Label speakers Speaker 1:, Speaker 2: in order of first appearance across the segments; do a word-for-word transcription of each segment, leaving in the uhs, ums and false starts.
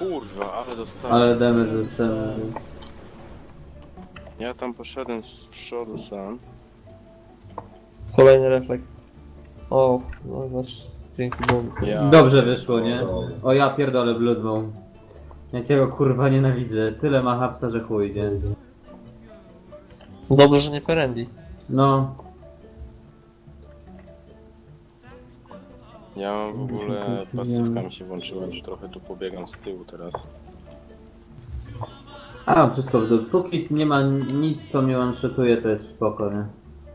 Speaker 1: kurwa, ale dostałem.
Speaker 2: Ale damage dostałem.
Speaker 1: Ja tam poszedłem z przodu sam.
Speaker 3: Kolejny reflekt. O, no znaczy, dzięki Bogu.
Speaker 1: Ja
Speaker 2: Dobrze wyszło, nie? O ja pierdolę Bloodbone. Jakiego kurwa nienawidzę. Tyle ma hapsa, że chuj, nie?
Speaker 3: Dobrze, że nie Perendi.
Speaker 2: No.
Speaker 1: Ja mam w ogóle pasywka mi się włączyła, już trochę tu pobiegam z tyłu teraz.
Speaker 2: A, wszystko w dół. Póki nie ma nic, co mnie one-shotuje, to jest spoko, nie?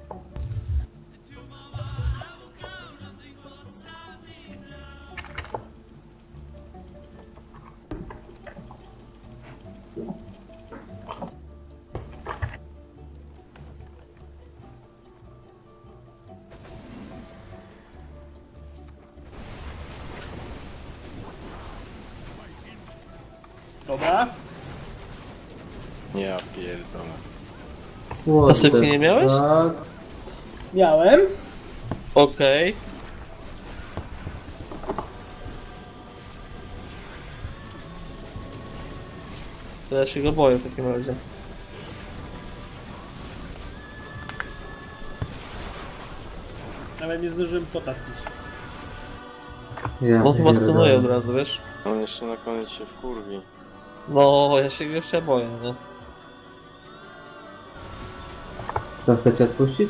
Speaker 4: Dobra.
Speaker 1: Ja pierdolę.
Speaker 2: What
Speaker 3: Pasywki
Speaker 2: the
Speaker 3: nie miałeś?
Speaker 2: fuck?
Speaker 4: Miałem.
Speaker 3: Okej. To ja się go boję w takim razie.
Speaker 4: Nawet nie zdążyłem potaskić.
Speaker 2: Ja
Speaker 3: On chyba
Speaker 2: pierdolę.
Speaker 3: stunuje od razu, wiesz?
Speaker 1: On jeszcze na koniec się wkurwi.
Speaker 3: No, ja się go jeszcze boję, nie?
Speaker 2: Co, chcecie odpuścić?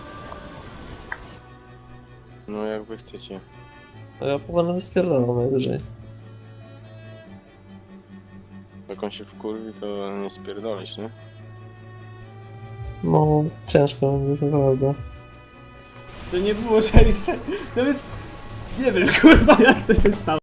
Speaker 1: No jak wy chcecie.
Speaker 3: To ja potem spierdalam najwyżej.
Speaker 1: Jak on się wkurwi, to nie spierdolisz, nie?
Speaker 3: No, ciężko będzie, to prawda.
Speaker 4: To nie było szczęście. Nawet nie wiem kurwa jak to się stało.